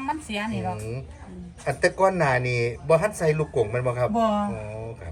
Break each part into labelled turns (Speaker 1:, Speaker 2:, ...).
Speaker 1: มันเสียนี่หรอก
Speaker 2: อันแต่ก้อนหนานี่บ่ฮัดใส่ลูกกงมันบ่ครับ
Speaker 1: บ่
Speaker 2: อ๋อครับ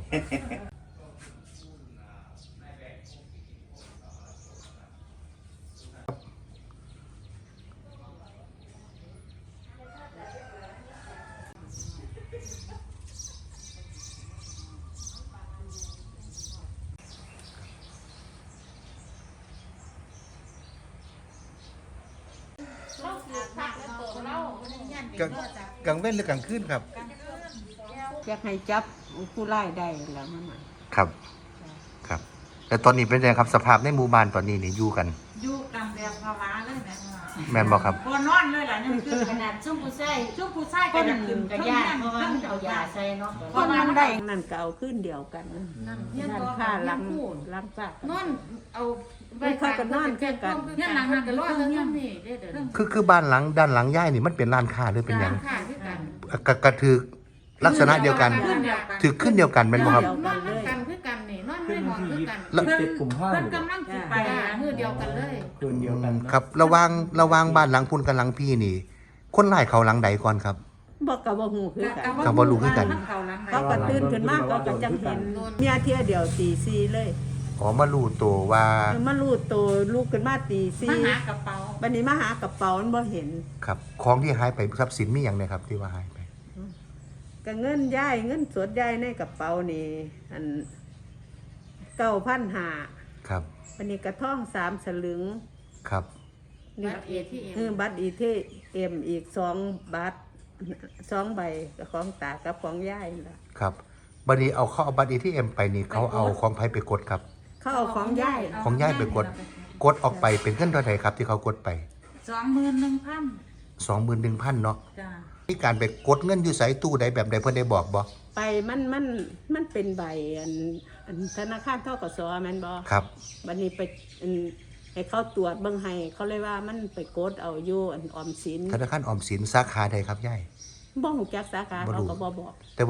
Speaker 2: กลางเว้นหรือกลางคืนครับ
Speaker 3: อยากให้จับผู้ร้ายได้แล้วมัน
Speaker 2: ครับครับแต่ตอนนี้เป็นไงครับสภาพในหมู่บ้านตอนนี้นี่อยู่กัน
Speaker 1: อยู่ตามแบบภาวะเลยแม่
Speaker 2: แม่นบ่ครับ
Speaker 1: บ่นอนเลยล่ะนั่นคือขนาดซุ่มผู้ชายก็ยังขึ้นกับยาเพราะว่ามันเอายาใส่เนาะเพราะว่ามันได้
Speaker 3: นั่นก็เอาขึ้นเดียวกันนั่นค่าล้างซาก
Speaker 1: นอนเอา
Speaker 3: เขาก็นอนแค่กัน
Speaker 1: เนี่ยหลังนั้นก็รอเรื่องนี้เด้อ
Speaker 2: คือบ้านหลังด้านหลังย่ายนี่มันเป็นร้านค้าหรือเป็นหยัง
Speaker 1: ค่ะคือกัน
Speaker 2: กระถือลักษณะเดียวกันถือขึ้นเดียวกันเป็นบ่ครับ
Speaker 1: นอนคือกันนี่นอนไม่นอนคือกัน
Speaker 4: เพิ่น
Speaker 1: กำลังสิไปมื้อเดียวกันเลย
Speaker 4: คืนเดียวกัน
Speaker 2: ครับระวังบ้านหลังพุ่นกับหลังพี่นี่คนร้ายเขาหลังใดก่อนครับ
Speaker 3: บอกกับว่าหูคือกัน
Speaker 2: กับบ่รู้คือกัน
Speaker 3: เขาก็ตื่นขึ้นมาเขาก็จังเห็นเนี่ยเที่ยเดียวตีสี่เลย
Speaker 2: อ๋อมารู้ตัวว่า
Speaker 3: มารู้ตัวลูกขึ้นมาตีสี่
Speaker 1: มาหากระเป๋า
Speaker 3: วันนี้มาหากระเป๋ามันบ่เห็น
Speaker 2: ครับของที่หายไปทรัพย์สินมีอย่างไรครับที่ว่าหายไป
Speaker 3: ก็เงินย้ายเงินสดย้ายในกระเป๋านี่อัน9,500
Speaker 2: ครับ
Speaker 3: วันนี้กระท่อง3สลึง
Speaker 2: ครับ
Speaker 3: บัตร ATM อีก2บัตร2ใบกับของตากับของย้ายล่ะ
Speaker 2: ครับบัดนี้เขาเอาบัตร ATM ไปนี่เขาเอาของไผไปกดครับ
Speaker 3: เขาเอาของย้
Speaker 2: ายไปกดออกไปเป็นเงินเท่าไหร่ครับที่เขากดไป 21,000 เนาะ
Speaker 1: จ้า
Speaker 2: มีการไปกดเงินอยู่ไสตู้ใดแบบใดเพิ่นได้บอกบ่
Speaker 3: ไปมันเป็นใบอันธนาคารธกสแม่นบ่
Speaker 2: ครับ
Speaker 3: บัดนี้ไปให้เขาตรวจเบิ่งให้เขาเลยว่ามันไปกดเอาอยู่ออมสิน
Speaker 2: ธนาคารออมสินสาขาใดครับยาย
Speaker 3: บ่ฮู้จักสาขาเขาก็บ่บอก